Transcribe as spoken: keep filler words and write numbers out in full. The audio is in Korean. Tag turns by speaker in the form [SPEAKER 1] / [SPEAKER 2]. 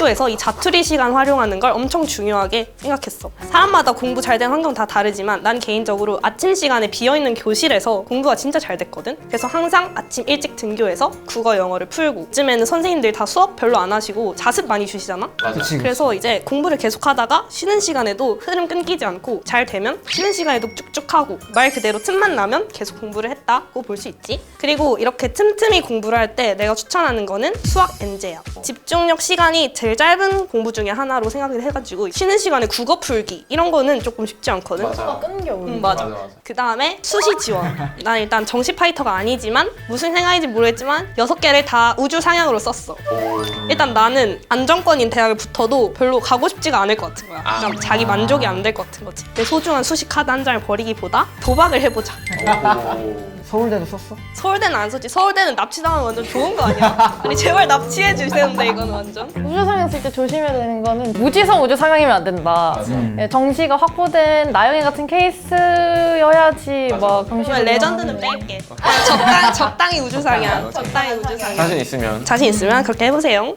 [SPEAKER 1] 학교에서 이 자투리 시간 활용하는 걸 엄청 중요하게 생각했어. 사람마다 공부 잘 되는 환경 다 다르지만 난 개인적으로 아침 시간에 비어있는 교실에서 공부가 진짜 잘 됐거든. 그래서 항상 아침 일찍 등교해서 국어, 영어를 풀고 요즘에는 선생님들 다 수업 별로 안 하시고 자습 많이 주시잖아?
[SPEAKER 2] 맞아.
[SPEAKER 3] 그치.
[SPEAKER 1] 그래서 이제 공부를 계속하다가 쉬는 시간에도 흐름 끊기지 않고 잘 되면 쉬는 시간에도 쭉쭉 하고 말 그대로 틈만 나면 계속 공부를 했다고 볼 수 있지. 그리고 이렇게 틈틈이 공부를 할 때 내가 추천하는 거는 수학 엔제야. 집중력 시간이 제일 짧은 공부 중에 하나로 생각을 해가지고 쉬는 시간에 국어 풀기 이런 거는 조금 쉽지 않거든.
[SPEAKER 2] 맞아.
[SPEAKER 4] 끊겨 우리.
[SPEAKER 1] 응, 맞아.
[SPEAKER 2] 맞아, 맞아.
[SPEAKER 1] 그 다음에 수시 지원. 난 일단 정시 파이터가 아니지만 무슨 생각인지 모르겠지만 여섯 개를 다 우주 상향으로 썼어.
[SPEAKER 2] 오.
[SPEAKER 1] 일단 나는 안정권인 대학을 붙어도 별로 가고 싶지가 않을 것 같은 거야. 그냥 자기 만족이 안 될 것 같은 거지. 내 소중한 수시 카드 한 장을 버리기보다 도박을 해보자.
[SPEAKER 2] 오.
[SPEAKER 3] 서울대도 썼어?
[SPEAKER 1] 서울대는 안 썼지. 서울대는 납치당하면 완전 좋은 거 아니야? 아니 제발 납치해 주세요인데 이건 완전.
[SPEAKER 4] 우주상향 쓸 때 조심해야 되는 거는 무지성 우주상향이면 안 된다.
[SPEAKER 2] 맞아.
[SPEAKER 3] 음.
[SPEAKER 4] 예, 정시가 확보된 나영이 같은 케이스여야지
[SPEAKER 2] 맞아.
[SPEAKER 4] 막 정시.
[SPEAKER 1] 정말 레전드는 뺄게. 그냥 적당, 적당히 우주상향. 적당히 우주상향.
[SPEAKER 2] 자신 있으면
[SPEAKER 1] 자신 있으면 그렇게 해보세요.